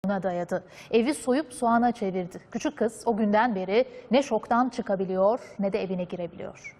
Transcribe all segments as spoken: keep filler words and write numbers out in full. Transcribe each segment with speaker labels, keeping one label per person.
Speaker 1: dolabına dayadı. Evi soyup soğana çevirdi. Küçük kız o günden beri ne şoktan çıkabiliyor ne de evine girebiliyor.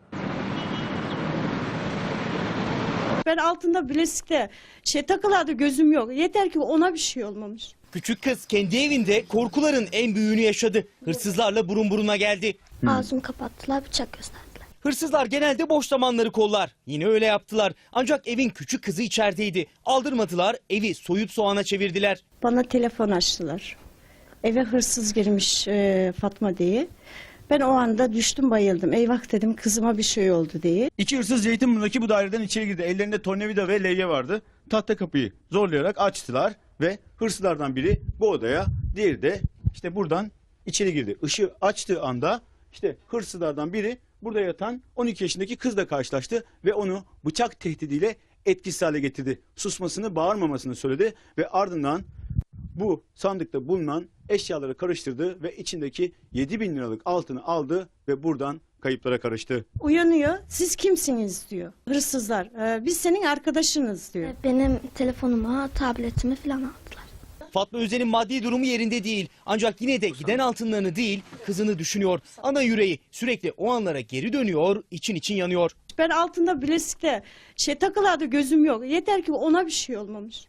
Speaker 2: Ben altında bilezikte şey takılardı, gözüm yok. Yeter ki ona bir şey olmamış.
Speaker 3: Küçük kız kendi evinde korkuların en büyüğünü yaşadı. Hırsızlarla burun buruna geldi.
Speaker 4: Ağzımı kapattılar, bıçak gösterdiler.
Speaker 3: Hırsızlar genelde boş zamanları kollar. Yine öyle yaptılar. Ancak evin küçük kızı içerideydi. Aldırmadılar, evi soyup soğana çevirdiler.
Speaker 2: Bana telefon açtılar. Eve hırsız girmiş e, Fatma diye. Ben o anda düştüm, bayıldım. Eyvah dedim, kızıma bir şey oldu diye.
Speaker 5: İki hırsız Zeytinburnu'ndaki bu daireden içeri girdi. Ellerinde tornavida ve levye vardı. Tahta kapıyı zorlayarak açtılar ve hırsızlardan biri bu odaya, diğeri de işte buradan içeri girdi. Işığı açtığı anda işte hırsızlardan biri burada yatan on iki yaşındaki kızla karşılaştı ve onu bıçak tehdidiyle etkisiz hale getirdi. Susmasını, bağırmamasını söyledi ve ardından bu sandıkta bulunan eşyaları karıştırdı ve içindeki yedi bin liralık altını aldı ve buradan kayıplara karıştı.
Speaker 2: Uyanıyor, siz kimsiniz diyor. Hırsızlar, e, biz senin arkadaşınız diyor.
Speaker 4: Benim telefonumu, tabletimi falan aldılar.
Speaker 3: Fatma Özen'in maddi durumu yerinde değil. Ancak yine de giden altınlarını değil, kızını düşünüyor. Ana yüreği sürekli o anlara geri dönüyor, için için yanıyor.
Speaker 2: Ben altında bilezikte şey takılardı, gözüm yok. Yeter ki ona bir şey olmamış.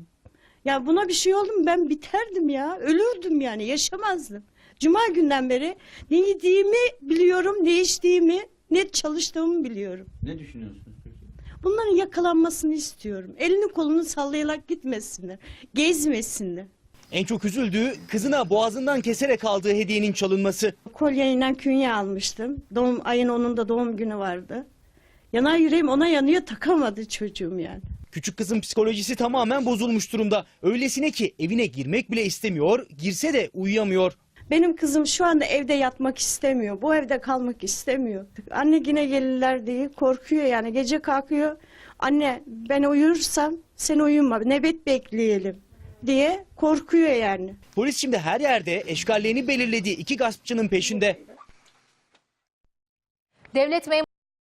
Speaker 2: Ya buna bir şey oldu mu ben biterdim ya. Ölürdüm yani, yaşamazdım. Cuma günden beri ne yediğimi biliyorum, ne içtiğimi, ne çalıştığımı biliyorum.
Speaker 5: Ne düşünüyorsunuz peki?
Speaker 2: Bunların yakalanmasını istiyorum. Elini kolunu sallayarak gitmesinler. Gezmesinler.
Speaker 3: En çok üzüldüğü kızına boğazından keserek aldığı hediyenin çalınması.
Speaker 2: Kolyeyle künye almıştım. Doğum ayın onunda doğum günü vardı. Yanar yüreğim ona yanıyor, takamadı çocuğum yani.
Speaker 3: Küçük kızın psikolojisi tamamen bozulmuş durumda. Öylesine ki evine girmek bile istemiyor, girse de uyuyamıyor.
Speaker 2: Benim kızım şu anda evde yatmak istemiyor. Bu evde kalmak istemiyor. Anne yine gelirler diye korkuyor yani. Gece kalkıyor. Anne ben uyursam sen uyuma. Nöbet bekleyelim diye korkuyor yani.
Speaker 3: Polis şimdi her yerde eşkallerini belirlediği iki gaspçının peşinde.
Speaker 1: Devlet memuru